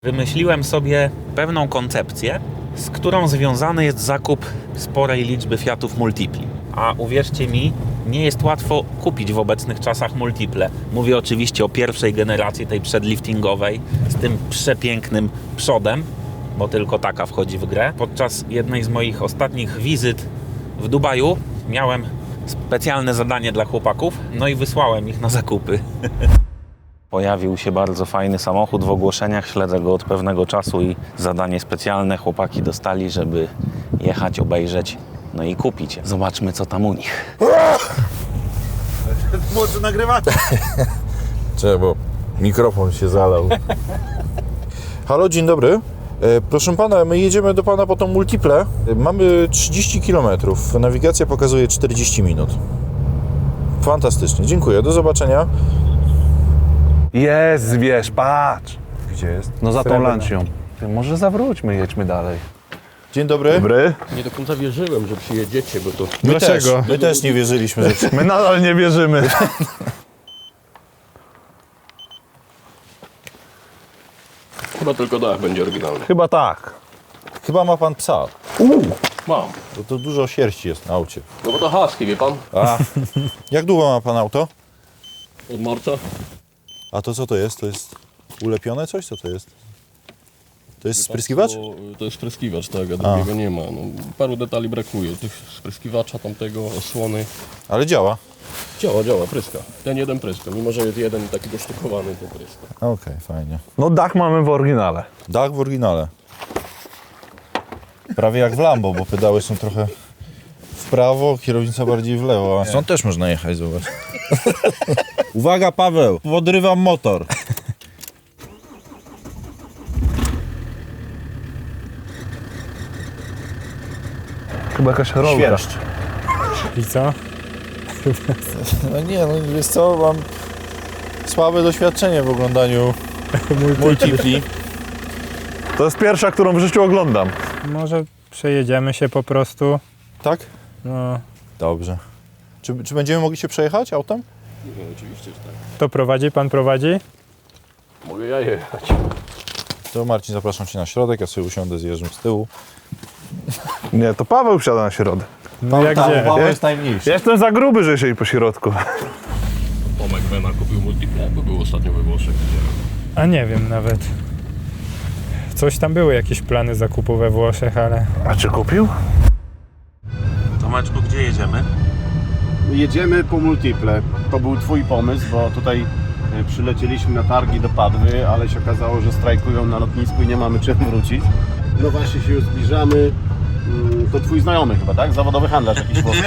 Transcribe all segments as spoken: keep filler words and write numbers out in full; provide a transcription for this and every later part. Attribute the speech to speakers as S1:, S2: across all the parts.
S1: Wymyśliłem sobie pewną koncepcję, z którą związany jest zakup sporej liczby Fiatów Multipli. A uwierzcie mi, nie jest łatwo kupić w obecnych czasach multiple. Mówię oczywiście o pierwszej generacji, tej przedliftingowej, z tym przepięknym przodem, bo tylko taka wchodzi w grę. Podczas jednej z moich ostatnich wizyt w Dubaju miałem specjalne zadanie dla chłopaków, no i wysłałem ich na zakupy. Pojawił się bardzo fajny samochód w ogłoszeniach, śledzę go od pewnego czasu i zadanie specjalne chłopaki dostali, żeby jechać, obejrzeć, no i kupić. Zobaczmy, co tam u nich.
S2: Może nagrywać?
S3: Czemu? Bo mikrofon się zalał. Halo, dzień dobry. E, proszę pana, my jedziemy do pana po tą multiple. E, mamy trzydzieści kilometrów. Nawigacja pokazuje czterdzieści minut. Fantastycznie, dziękuję. Do zobaczenia.
S4: Jest, wiesz, patrz.
S3: Gdzie jest?
S4: No za tą
S3: Srebrna.
S4: lancią. Ty, może zawróćmy, jedźmy dalej.
S3: Dzień dobry.
S4: Dobry.
S5: Nie do końca wierzyłem, że przyjedziecie, bo to...
S3: My
S4: Dlaczego?
S3: Też, my też nie wierzyliśmy, że...
S4: My nadal nie wierzymy.
S5: Chyba tylko dach będzie oryginalny.
S4: Chyba tak.
S3: Chyba ma pan psa.
S5: Mam.
S3: Bo to dużo sierści jest na aucie.
S5: No bo to husky, wie pan?
S3: A. Jak długo ma pan auto?
S5: Od marca.
S3: A to co to jest? To jest ulepione coś? Co to jest? To jest spryskiwacz?
S5: To, to jest spryskiwacz, tak, a drugiego nie ma. No, paru detali brakuje. Tych spryskiwacza, tamtego, osłony.
S3: Ale działa.
S5: Działa, działa, pryska. Ten jeden pryska, mimo że jest jeden taki dosztukowany, to pryska.
S3: Okej, fajnie.
S4: No dach mamy w oryginale.
S3: Dach w oryginale. Prawie jak w Lambo, bo pedały są trochę w prawo, kierownica bardziej w lewo. A stąd też można jechać, zobacz. Uwaga, Paweł, podrywam motor.
S4: Chyba jakaś rolka.
S3: Świerszcz.
S6: I co?
S3: No nie, no wiesz co, mam słabe doświadczenie w oglądaniu multipli.
S4: To jest pierwsza, którą w życiu oglądam.
S6: Może przejedziemy się po prostu.
S3: Tak?
S6: No,
S3: Dobrze. Czy, czy będziemy mogli się przejechać autem?
S5: No, oczywiście, że tak.
S6: kto prowadzi? Pan prowadzi?
S5: Mogę ja jechać.
S3: To Marcin, zapraszam Cię na środek, ja sobie usiądę z Jerzym z tyłu.
S4: Nie, to Paweł wsiada na środek.
S6: No jak gdzie?
S3: Paweł
S4: Nie?
S3: jest najmniejszy.
S4: Ja jestem za gruby, że siedzi po środku.
S5: Tomek Wena kupił multiple, bo był ostatnio we Włoszech.
S6: A nie wiem nawet. Coś tam były jakieś plany zakupu we Włoszech, ale...
S4: A czy kupił?
S1: Tomeczku, gdzie jedziemy?
S2: Jedziemy po multiple. To był twój pomysł, bo tutaj e, przylecieliśmy na targi do Padwy, ale się okazało, że strajkują na lotnisku i nie mamy czym wrócić. No właśnie się już zbliżamy. Mm, To twój znajomy chyba, tak? Zawodowy handlarz jakiś włoski.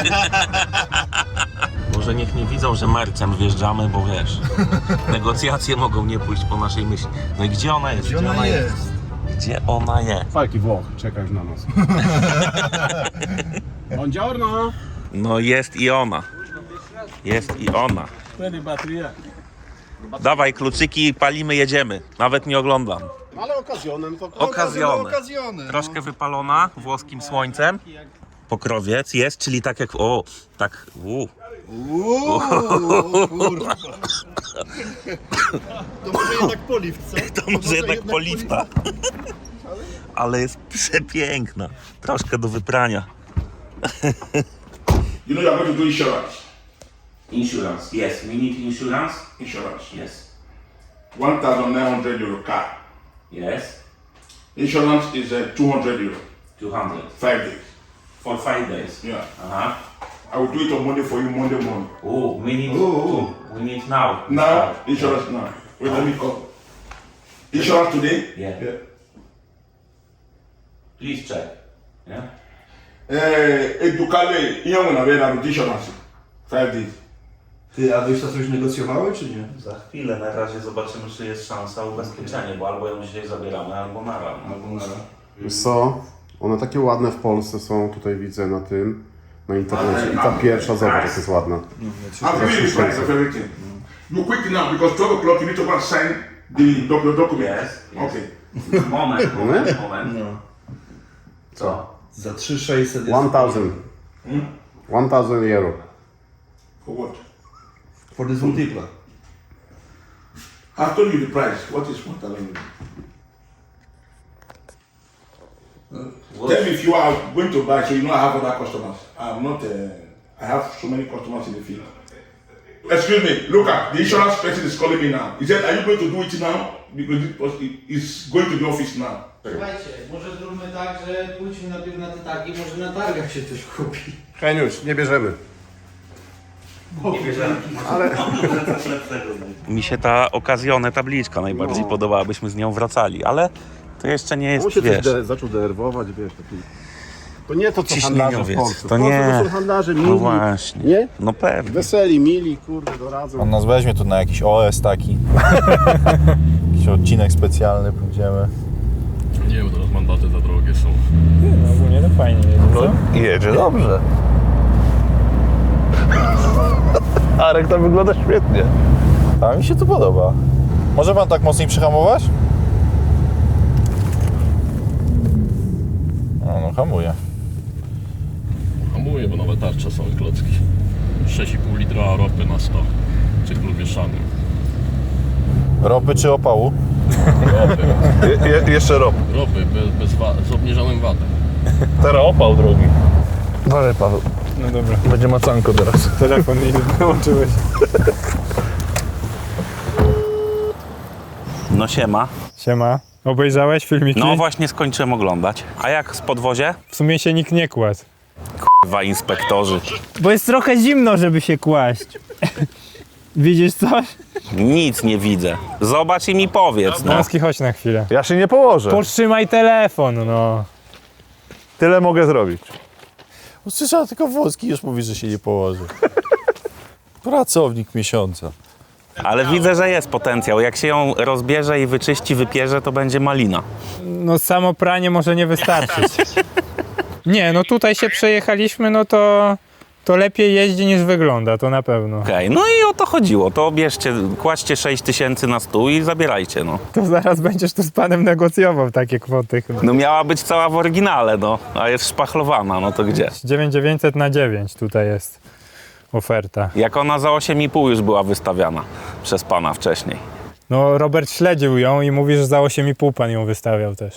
S1: Może niech nie widzą, że mercem wjeżdżamy, bo wiesz, negocjacje mogą nie pójść po naszej myśli. No i gdzie ona jest? Gdzie ona jest? Gdzie ona jest?
S2: Falki Włoch, czekasz na nas. Buongiorno!
S1: No jest i ona. Jest i ona. Dawaj kluczyki, palimy, jedziemy. Nawet nie oglądam.
S2: Ale okazjonem to...
S1: Okazjony. Troszkę wypalona włoskim słońcem. Pokrowiec jest, czyli tak jak... O, tak... U.
S2: To może jednak poliw, co?
S1: To może jednak poliwta. Ale jest przepiękna. Troszkę do wyprania.
S7: You know you are going to do insurance.
S1: Insurance, yes. We need insurance.
S7: Insurance.
S1: Yes.
S7: one thousand nine hundred euro car.
S1: Yes.
S7: Insurance is uh, two hundred euro.
S1: two hundred.
S7: Five days.
S1: For five days.
S7: Yeah.
S1: Uh-huh.
S7: I will do it on Monday for you, Monday morning.
S1: Oh, we need to. We need now.
S7: Now, insurance now. Wait, let me call. Insurance today?
S1: Yeah.
S7: Yeah.
S1: Please check. Yeah.
S7: Eh, Edukale, ihe nwere na bịa na insurance. Five days.
S8: Ty, a wyście coś negocjowały, czy nie?
S1: Za chwilę na razie zobaczymy, czy jest szansa o ubezpieczenie, bo albo ją dzisiaj zabieramy, albo nara.
S8: Albo nara.
S2: Wiesz co? One takie ładne w Polsce są, tutaj widzę na tym, na internecie. I ta pierwsza, zobacz, jak jest ładna.
S7: I'll give you the price of everything. You quick now because twelve o'clock you need to go and sign the doc- the document.
S1: Yes, yes.
S7: Okay.
S1: Moment, moment, moment.
S8: No.
S1: Co?
S8: Za trzy tysiące sześćset jest...
S2: one thousand. one thousand euro.
S7: For what?
S8: For this multiple.
S7: I told you the price. What is one thousand? Tell me if you are going to buy, so you know I have other customers. I'm not. Uh, I have so many customers in the field. Excuse me. Look at the insurance person is calling me now. He said, "Are you going to do it now? Because it was, it's going to the office now."
S9: Słuchajcie, może zróbmy tak, że pójdźmy najpierw na te targi, może na targach się coś kupi.
S2: Heniusz, nie bierzemy.
S1: Mi się ta okazjone tabliczka najbardziej
S2: No.
S1: podobała, byśmy z nią wracali, ale to jeszcze nie jest,
S2: On się też
S1: wiesz...
S2: de, zaczął denerwować, wiesz, taki... To nie to, co
S1: Ciśnieniowiec.
S2: handlarze w Polsce.
S1: To
S2: W Polsce
S1: nie.
S2: to są handlarze mili,
S1: No właśnie.
S2: nie?
S1: No pewnie.
S2: Weseli, mili, kurde, doradzą.
S3: On nas weźmie tu na jakiś O S taki. Jakiś odcinek specjalny pójdziemy.
S5: Nie, bo teraz mandaty za drogie są.
S6: No ogólnie to fajnie jedzie, co?
S4: Jedzie dobrze. Arek, to wygląda świetnie.
S3: A mi się to podoba. Może pan tak mocniej przyhamować? No, no hamuje.
S5: Hamuję, bo nowe tarcze są i klocki. sześć i pół litra ropy na sto. Cyklu mieszany.
S3: Ropy czy opału?
S5: Ropy.
S4: Je, je, jeszcze rop.
S5: Ropy bez, bez wa- z obniżonym watem.
S4: Teraz opał drogi. Dalej, Paweł.
S6: No dobra.
S4: Będzie macanko teraz.
S6: Telefon nie wyłączyłeś.
S1: No siema.
S6: Siema. Obejrzałeś filmiki?
S1: No właśnie skończyłem oglądać. A jak z podwozie?
S6: W sumie się nikt nie kładł.
S1: Dwa inspektorzy.
S6: Bo jest trochę zimno, żeby się kłaść. Widzisz coś?
S1: Nic nie widzę. Zobacz i mi powiedz, no.
S6: Noski, chodź na chwilę.
S4: Ja się nie położę.
S6: Podtrzymaj telefon, no.
S4: Tyle mogę zrobić.
S3: Usłyszałem tylko włoski, już mówi, że się nie położy. Pracownik miesiąca.
S1: Ale widzę, że jest potencjał. Jak się ją rozbierze i wyczyści, wypierze, to będzie malina.
S6: No samo pranie może nie wystarczyć. Nie, no tutaj się przejechaliśmy, no to, to lepiej jeździ niż wygląda, to na pewno.
S1: Okej, no i o to chodziło. To bierzcie, kładźcie sześć tysięcy na stół i zabierajcie, no.
S6: To zaraz będziesz tu z panem negocjował takie kwoty chyba.
S1: No miała być cała w oryginale, no. A jest szpachlowana, no to gdzie?
S6: dziewięć tysięcy dziewięćset na dziewięć tutaj jest oferta.
S1: Jak ona za osiem i pół już była wystawiana przez pana wcześniej.
S6: No Robert śledził ją i mówi, że za osiem i pół pan ją wystawiał też.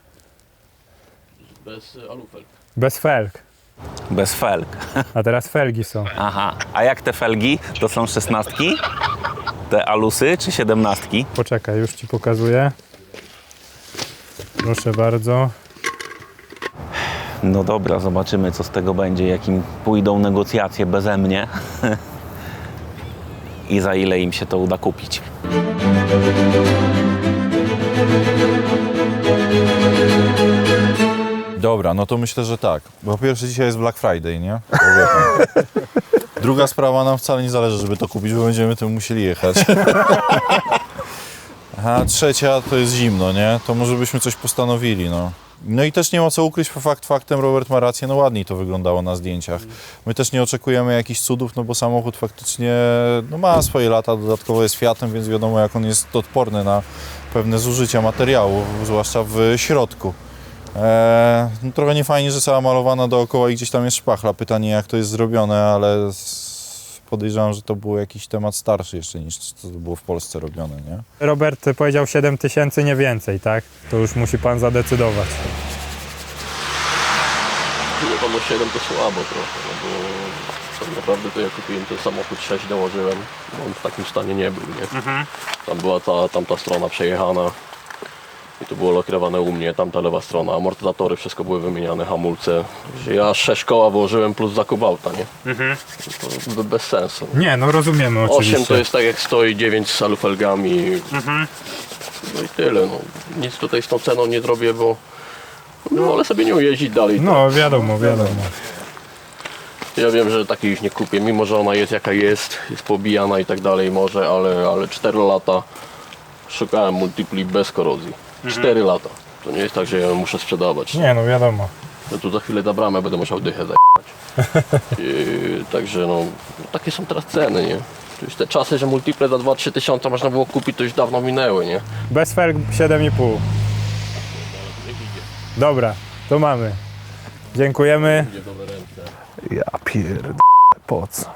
S5: Bez y, alufel.
S6: Bez felg.
S1: Bez felg.
S6: A teraz felgi są.
S1: Aha. A jak te felgi? To są szesnastki? Te alusy czy siedemnastki?
S6: Poczekaj, już ci pokazuję. Proszę bardzo.
S1: No dobra, zobaczymy co z tego będzie, jakim pójdą negocjacje beze mnie i za ile im się to uda kupić.
S3: Dobra, no to myślę, że tak. Bo po pierwsze dzisiaj jest Black Friday, nie? To wie pan. Druga sprawa, nam wcale nie zależy, żeby to kupić, bo będziemy tym musieli jechać. A trzecia to jest zimno, nie? To może byśmy coś postanowili, no. No i też nie ma co ukryć, fakt faktem, Robert ma rację, no ładniej to wyglądało na zdjęciach. My też nie oczekujemy jakichś cudów, no bo samochód faktycznie no ma swoje lata, dodatkowo jest Fiatem, więc wiadomo jak on jest odporny na pewne zużycia materiału, zwłaszcza w środku. Eee, no trochę niefajnie, że cała malowana dookoła i gdzieś tam jest szpachla. Pytanie jak to jest zrobione, ale s- podejrzewam, że to był jakiś temat starszy jeszcze niż to było w Polsce robione, nie?
S6: Robert powiedział siedem tysięcy, nie więcej, tak? To już musi pan zadecydować.
S5: Nie, tam o siedem to słabo trochę, no bo tak naprawdę to ja kupiłem ten samochód, sześć dołożyłem, bo on w takim stanie nie był, nie? Tam była ta, tamta strona przejechana i to było lakierowane u mnie, tamta lewa strona, amortyzatory, wszystko były wymieniane, hamulce. Że ja sześć koła włożyłem plus zakup auta, nie? To be- bez sensu.
S6: Nie, no rozumiemy oczywiście.
S5: osiem to jest tak jak stoi, dziewięć z alufelgami. No i tyle, no. Nic tutaj z tą ceną nie zrobię, bo no, ale sobie nią jeździć dalej.
S6: No wiadomo, wiadomo.
S5: Ja wiem, że takiej już nie kupię, mimo że ona jest jaka jest, jest pobijana i tak dalej może, ale, ale cztery lata szukałem multipli bez korozji. cztery lata. To nie jest tak, że ja ją muszę sprzedawać.
S6: Nie, no wiadomo.
S5: No tu za chwilę za bramę będę musiał dychę zajebać. Yy, także no, takie są teraz ceny, nie? To już te czasy, że multiple za dwa trzy tysiące można było kupić, to już dawno minęły, nie?
S6: Bez felg siedem i pół. Dobra, to mamy. Dziękujemy.
S4: Ja pierd... po co?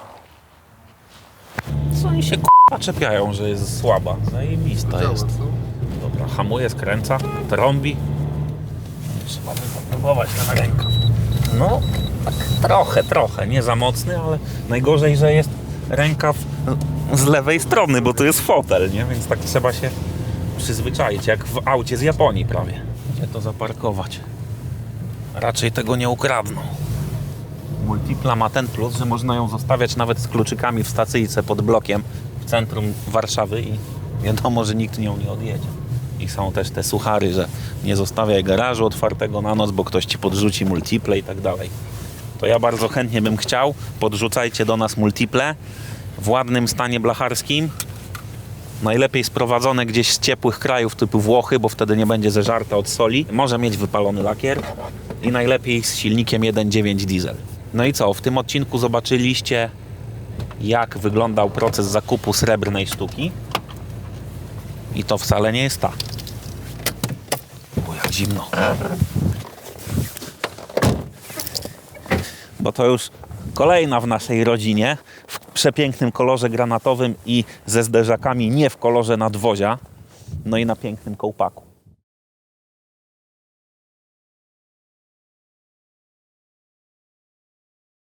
S1: Co oni się k***a czepiają, że jest słaba? Zajebista jest. Dobra, hamuje, skręca, trąbi. trzeba by popróbować na rękaw. No, tak trochę, trochę, nie za mocny, ale najgorzej, że jest rękaw z lewej strony, bo to jest fotel, nie? Więc tak trzeba się przyzwyczaić, jak w aucie z Japonii prawie. Gdzie to zaparkować? Raczej tego nie ukradną. Multipla ma ten plus, że można ją zostawiać nawet z kluczykami w stacyjce pod blokiem w centrum Warszawy i wiadomo, że nikt nią nie odjedzie. I są też te suchary, że nie zostawiaj garażu otwartego na noc, bo ktoś ci podrzuci multiple i tak dalej. To ja bardzo chętnie bym chciał, podrzucajcie do nas multiple w ładnym stanie blacharskim. Najlepiej sprowadzone gdzieś z ciepłych krajów typu Włochy, bo wtedy nie będzie zeżarta od soli. Może mieć wypalony lakier i najlepiej z silnikiem jeden przecinek dziewięć diesel. No i co? W tym odcinku zobaczyliście, jak wyglądał proces zakupu srebrnej sztuki. I to wcale nie jest ta. Bo jak zimno. Bo to już kolejna w naszej rodzinie w przepięknym kolorze granatowym i ze zderzakami nie w kolorze nadwozia. No i na pięknym kołpaku.